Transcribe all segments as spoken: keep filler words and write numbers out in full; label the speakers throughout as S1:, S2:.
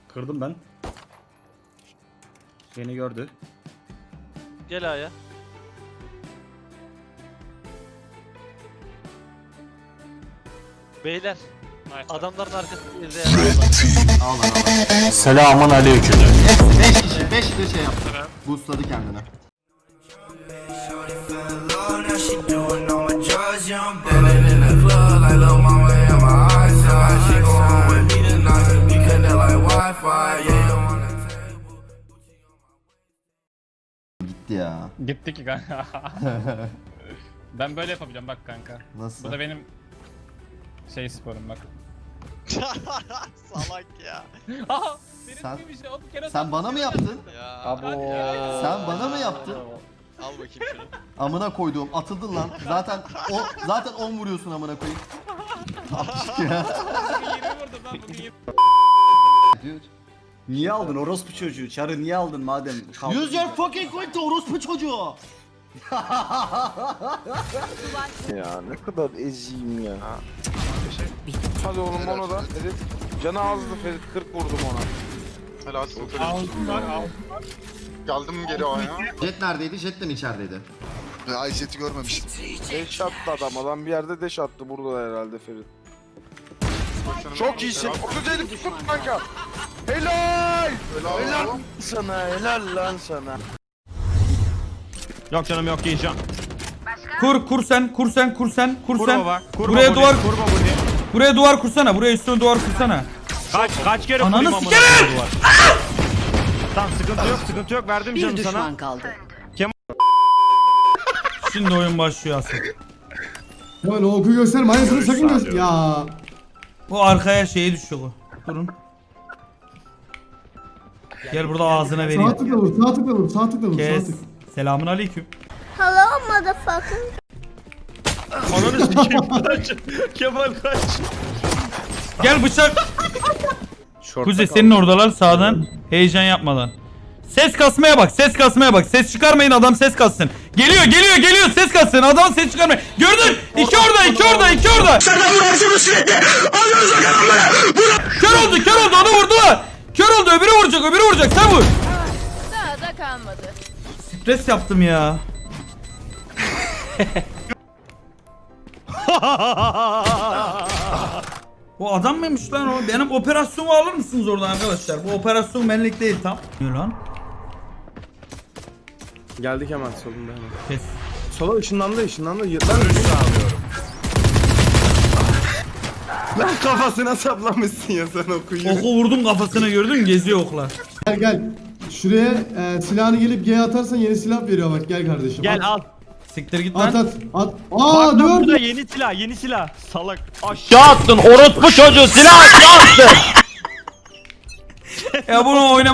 S1: Kırdım ben. Beni gördü.
S2: Gel A'ya. Beyler. Adamların arkasında izleyen.
S3: Al lan al.
S4: Selamun aleyküm.
S3: beş kişi beş de şey yaptı. Boostladı kendini. Gitti ya.
S5: Gitti ki kanka. Ben böyle yapabiliyorum bak kanka.
S3: Nasıl?
S5: Bu da benim şey sporum bak.
S2: Salak ya.
S5: Aha! Benim
S3: Sen-
S5: bir şey, o bir kere
S3: Sen bana mı yaptın?
S2: Ya.
S5: Abo.
S3: Sen bana mı yaptın?
S2: Al bakayım şunu.
S3: Amına koyduğum atıldın lan. Zaten o zaten on vuruyorsun amına koyayım. Apçık ya.
S5: Bugün yirmi vurdum lan bugün yirmi.
S3: Dude.
S1: Niye aldın orospu çocuğu? Çarı niye aldın madem? kaldın
S3: Use your
S1: ya?
S3: fucking coin to orospu çocuğu.
S6: Ya ne kadar eziyim ya. Hadi oğlum onu da. Ferit. Canı azdı Ferit. kırk vurdum ona.
S7: Helal olsun.
S5: Altın var altın.
S7: Geldim geri A'ya.
S3: Jet neredeydi? Jet de mi içerideydi?
S7: Ay Jet'i görmemiştim.
S6: Deş attı adam. Adam bir yerde deş attı. Burada herhalde Ferit. Çok iyisin. otuz elli tuttum kanka. Helal.
S7: Helal.
S6: Helal sana. Helal lan sana.
S8: Yok canım yok yiyeceğim.
S9: Kur kur sen kur sen kur sen kur
S8: Kur
S9: sen.
S8: baba. Kur
S9: Buraya
S8: baba
S9: duvar
S8: bunu, kur baba bunu.
S9: buraya duvar kursana. Buraya üstüne duvar kursana.
S8: Kaç kaç kere
S9: Ananı
S8: kurayım amına
S9: sikerim!
S8: koyayım duvar. Tamam sıkıntı yok sıkıntı yok verdim
S10: Bir
S8: canım
S10: düşman
S8: sana.
S10: kaldı.
S9: Şimdi oyun başlıyor asıl.
S11: Böyle oku gösterme aynısını sakın göster. Ya.
S9: Bu arkaya şeye düşüyor bu. Durun. Gel burada ağzına
S11: Sağ
S9: vereyim.
S11: tıkla vur, sağ tıkla vur, sağ tıkla vur, sağ
S9: Kes.
S11: tık.
S9: Selamun aleyküm.
S10: Hello motherfucker.
S8: Ananı sikeyim kaç. Kemal kaç.
S9: Gel bıçak. Kuzey senin oradalar sağdan. Heyecan yapmadan. Ses kasmaya bak, ses kasmaya bak. Ses çıkarmayın adam ses kassın. Geliyor, geliyor, geliyor ses kassın. Adam ses çıkarmayın. Gördün? İki orada, iki orada, iki orada. Kör oldu, kör oldu. Onu vurdular. Kör oldu, öbürü vuracak, öbürü vuracak. Sen vur.
S10: Daha da kalmadı.
S9: Stres yaptım ya. O adam mıymış lan o? Benim operasyonumu alır mısınız oradan arkadaşlar? Bu operasyon benlik değil tam. Ne lan?
S6: Geldik hemen solunda hemen.
S9: Kes.
S6: Sola ışınlandı ışınlandı. Lan önünü sağlıyorum. Lan kafasına saplamışsın ya sen okuyun.
S9: Oku vurdum kafasına gördün mü? Geziyor oklar.
S11: Gel gel. Şuraya e, silahını gelip G atarsan yeni silah veriyor bak gel kardeşim.
S8: Gel
S11: at.
S8: al.
S9: Siktir git
S11: At
S9: lan.
S11: at at.
S8: Bak
S11: Aa
S8: lan
S11: dur.
S8: burada yeni silah yeni silah. Salak. Aşağı.
S4: Aşağı attın orospu çocuğu silah aşağı attın.
S9: Ya bunu oynama.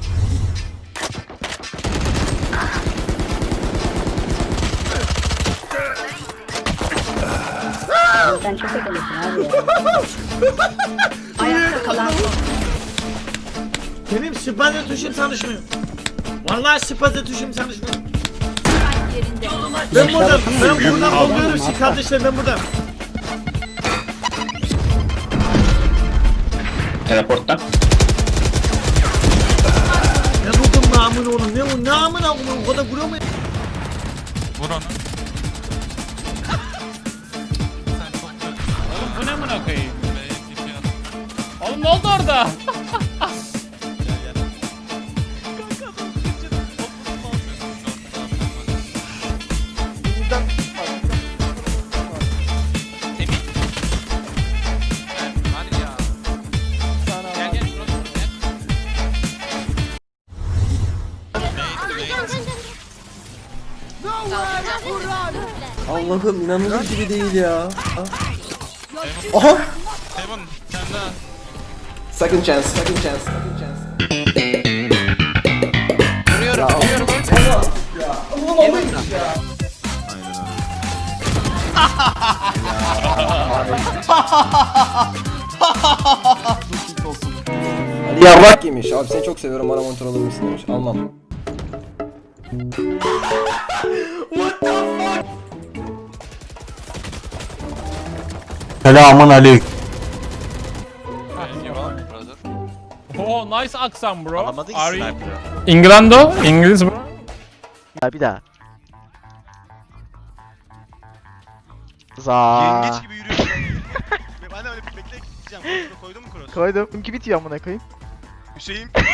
S10: Sen çok akıllısın abi ya. Ayakta kalan
S4: Benim spaze tuşum çalışmıyor. Vallahi spaze tuşum çalışmıyor.
S10: yerinde.
S4: Ben buradan, ben buradan oluyorum siz kardeşler ben buradan.
S5: Teleporttan.
S4: Ne buldum namını oğlum ne o namına oğlum o kadar vuruyor mu?
S5: Vur onu. Oğlum bu ne amına koyayım? Oğlum ne oldu orada?
S4: Allah'ım inanılır gibi değil ya. Aha. Second chance, second chance, second chance. Ali yarrak yemiş. Abi seni çok seviyorum. Bana monitör alır mısın demiş. Almam. Selamun aleyküm.
S5: Oh nice aksan bro.
S2: Alamadın ki
S5: Are you
S2: sniper'ı.
S5: Inglando? İngiliz bro.
S2: Bir daha. Za.
S7: Yengeç gibi yürüyorsun. Ben de öyle bekle gideceğim. Koydum mu cross?
S2: Koydum. Kimki bitiyor amına koyayım.
S7: Hüseyin